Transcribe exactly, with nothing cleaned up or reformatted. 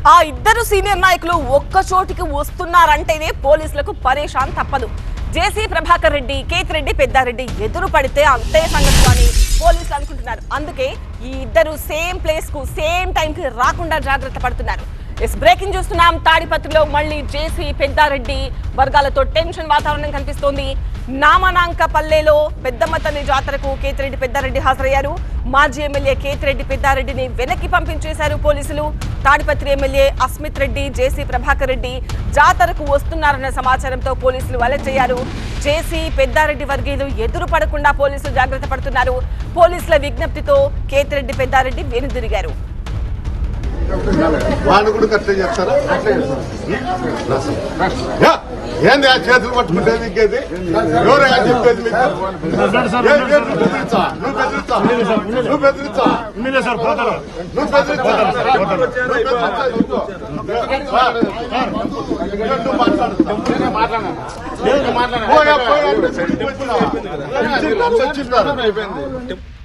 ఆ ఇద్దరు సీనియర్ నాయకులు ఒక్క చోటికి వస్తున్నారంటేనే పోలీసులకు పరేషాన్ తప్పదు. జేసీ ప్రభాకర్ రెడ్డి, కేతిరెడ్డి పెద్దారెడ్డి ఎదురు పడితే అంతే సంగతి అని పోలీసులు అనుకుంటున్నారు. అందుకే ఈ ఇద్దరు సేమ్ ప్లేస్ కు సేమ్ టైం కి రాకుండా జాగ్రత్త పడుతున్నారు. ఎస్ బ్రేకింగ్ చూస్తున్నాం. తాడిపత్రిలో మళ్ళీ జేసీ పెద్దారెడ్డి వర్గాలతో టెన్షన్ వాతావరణం కనిపిస్తోంది. నామనాంకపల్లెలో పెద్దమ్మ తల్లి జాతరకు కేతిరెడ్డి పెద్దారెడ్డి హాజరయ్యారు. మాజీ ఎమ్మెల్యే కేతిరెడ్డి పెద్దారెడ్డిని వెనక్కి పంపించేశారు పోలీసులు. తాడిపత్రి ఎమ్మెల్యే అస్మిత్ రెడ్డి, జేసీ ప్రభాకర్ రెడ్డి జాతరకు వస్తున్నారన్న సమాచారంతో పోలీసులు అలర్ట్ అయ్యారు. జేసీ పెద్దారెడ్డి వర్గీయులు ఎదురు పడకుండా పోలీసులు జాగ్రత్త పడుతున్నారు. పోలీసుల విజ్ఞప్తితో కేతిరెడ్డి పెద్దారెడ్డి వెనుదిరిగారు. వాళ్ళు కూడా కట్టే చేస్తారా? ఏంది ఆ చేతులు పట్టుకుంటేది ఇంకేది? ఎవరైనా చెప్పేది మీకు? నువ్వు బెదిరించా నువ్వు బెదిరించా నువ్వు బెదిరించా నువ్వు బెదిరించా